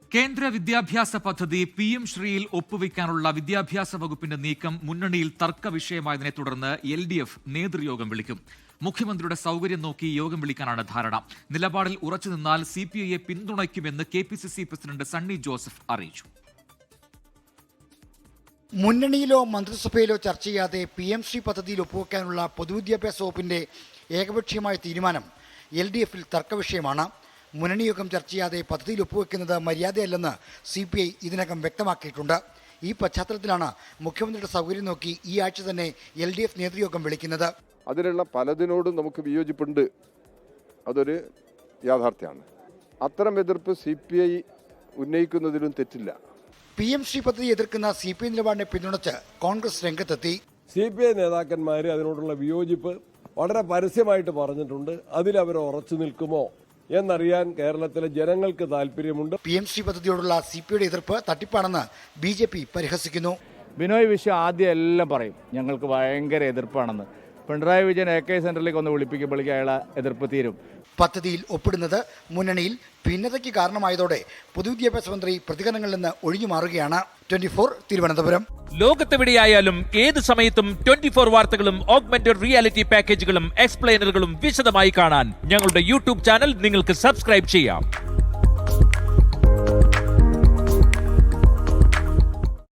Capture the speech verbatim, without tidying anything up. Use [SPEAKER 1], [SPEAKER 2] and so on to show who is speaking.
[SPEAKER 1] കേന്ദ്ര വിദ്യാഭ്യാസ പദ്ധതി പി എം ശ്രീയിൽ ഒപ്പുവെക്കാനുള്ള വിദ്യാഭ്യാസ വകുപ്പിന്റെ നീക്കം മുന്നണിയിൽ തർക്ക വിഷയമായതിനെ തുടർന്ന് എൽ ഡി എഫ് നേതൃയോഗം വിളിക്കും. മുഖ്യമന്ത്രിയുടെ സൗകര്യം നോക്കി യോഗം വിളിക്കാനാണ് ധാരണ. നിലപാടിൽ ഉറച്ചുനിന്നാൽ സി പി ഐയെ പിന്തുണയ്ക്കുമെന്ന് K P C C president Sunny Joseph അറിയിച്ചു.
[SPEAKER 2] മുന്നണിയിലോ മന്ത്രിസഭയിലോ ചർച്ച ചെയ്യാതെ പി എം ശ്രീ പദ്ധതിയിൽ ഒപ്പുവെക്കാനുള്ള പൊതുവിദ്യാഭ്യാസ വകുപ്പിന്റെ ഏകപക്ഷീയമായ തീരുമാനം എൽ ഡി എഫിൽ തർക്കവിഷയമാണ്. മുന്നണി യോഗം ചർച്ച ചെയ്യാതെ പദ്ധതിയിൽ ഒപ്പുവെക്കുന്നത് മര്യാദയല്ലെന്ന് സി പി ഐ ഇതിനകം വ്യക്തമാക്കിയിട്ടുണ്ട്. ഈ പശ്ചാത്തലത്തിലാണ് മുഖ്യമന്ത്രിയുടെ സൗകര്യം നോക്കി ഈ ആഴ്ച തന്നെ എൽ ഡി എഫ് നേതൃയോഗം വിളിക്കുന്നത്.
[SPEAKER 3] അതിലുള്ള പലതിനോടും നമുക്ക് വിയോജിപ്പുണ്ട്, അതൊരു യാഥാർത്ഥ്യമാണ്. അത്തരം എതിർപ്പ് സി പി ഐ ഉന്നയിക്കുന്നതിലും തെറ്റില്ല.
[SPEAKER 2] പി എം ശ്രീ പദ്ധതി എതിർക്കുന്ന സി പി ഐ നിലപാടിനെ പിന്തുണച്ച് കോൺഗ്രസ് രംഗത്തെത്തി.
[SPEAKER 4] സി പി ഐ നേതാക്കന്മാർ അതിനോടുള്ള വിയോജിപ്പ് വളരെ പരസ്യമായിട്ട് പറഞ്ഞിട്ടുണ്ട്. അതിലവർ ഉറച്ചു നിൽക്കുമോ എന്നറിയാൻ കേരളത്തിലെ ജനങ്ങൾക്ക് താല്പര്യമുണ്ട്.
[SPEAKER 2] പി എം ശ്രീ പദ്ധതിയോടുള്ള സി പി ഐയുടെ എതിർപ്പ് തട്ടിപ്പാണെന്ന് ബി ജെ പി പരിഹസിക്കുന്നു.
[SPEAKER 5] ബിനോയ് വിശ്വം ആദ്യം എല്ലാം പറയും ഞങ്ങൾക്ക് ഭയങ്കര എതിർപ്പാണെന്ന്. പിണറായി വിജയൻ എ കെ സെന്ററിലേക്ക് ഒന്ന് വിളിപ്പിക്കുമ്പോഴേക്കും അയാളെ എതിർപ്പ് തീരും.
[SPEAKER 2] പദ്ധതിയിൽ ഒപ്പിടുന്നത് മുന്നണിയിൽ ഭിന്നതയ്ക്ക് കാരണമായതോടെ പൊതുവിദ്യാഭ്യാസ മന്ത്രി പ്രതികരണങ്ങളിൽ നിന്ന് ഒഴിഞ്ഞു മാറുകയാണ്. Twenty four Thiruvananthapuram.
[SPEAKER 6] ലോകത്തെവിടെയായാലും ഏത് സമയത്തും ട്വന്റി ഫോർ വാർത്തകളും ഓഗ്മെന്റഡ് റിയാലിറ്റി പാക്കേജുകളും എക്സ്പ്ലെയിനറുകളും വിശദമായി കാണാൻ ഞങ്ങളുടെ യൂട്യൂബ് ചാനൽ നിങ്ങൾക്ക് സബ്സ്ക്രൈബ് ചെയ്യാം.